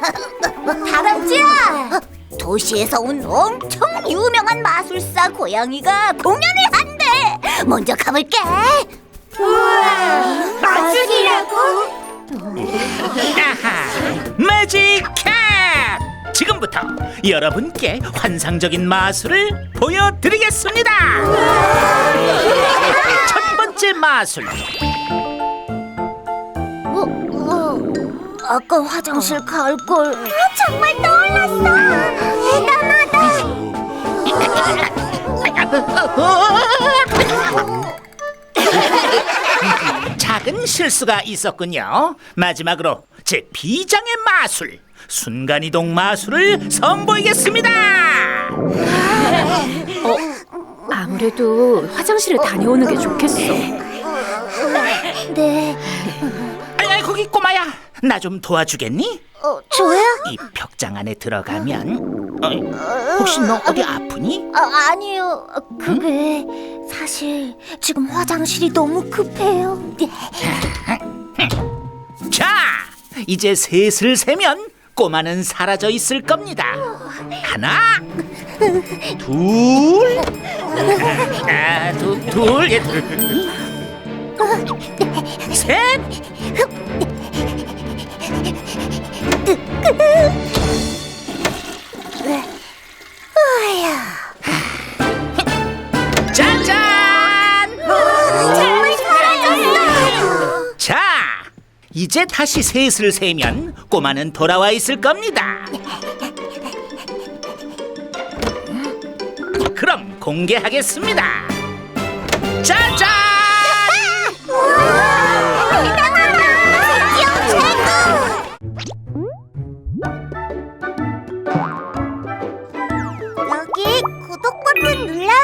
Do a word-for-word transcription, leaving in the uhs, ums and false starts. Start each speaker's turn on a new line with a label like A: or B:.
A: 다람쥐야! 도시에서 온 엄청 유명한 마술사 고양이가 공연을 한대. 먼저 가볼게. 우와, 마술이라고?
B: 아하, 매직 캣! 지금부터 여러분께 환상적인 마술을 보여드리겠습니다. 첫 번째 마술.
A: 어, 어, 아까 화장실 갈 걸. 정말 떠올랐어. 대단하다.
B: 작은 실수가 있었군요. 마지막으로 제 비장의 마술, 순간이동 마술을 선보이겠습니다.
C: 어, 아무래도 화장실에 다녀오는 게 좋겠어.
A: 네,
B: 아이, 거기 꼬마야, 나 좀 도와주겠니?
A: 어, 저요?
B: 이 벽장 안에 들어가면 어이, 혹시 너 어디 아프니?
A: 아, 아니요. 그게 사실 지금 화장실이 너무 급해요.
B: 자, 이제 셋을 세면 꼬마는 사라져 있을 겁니다. 하나, 둘, 아, 두, 둘, 예, 둘, 셋. 짜잔!
A: 정말 사라졌어.
B: 자, 이제 다시 셋을 세면 꼬마는 돌아와 있을 겁니다. 그럼 공개하겠습니다. 짜잔!
A: 대단하다. 드디어 최고. 여기 구독 버튼 눌러요.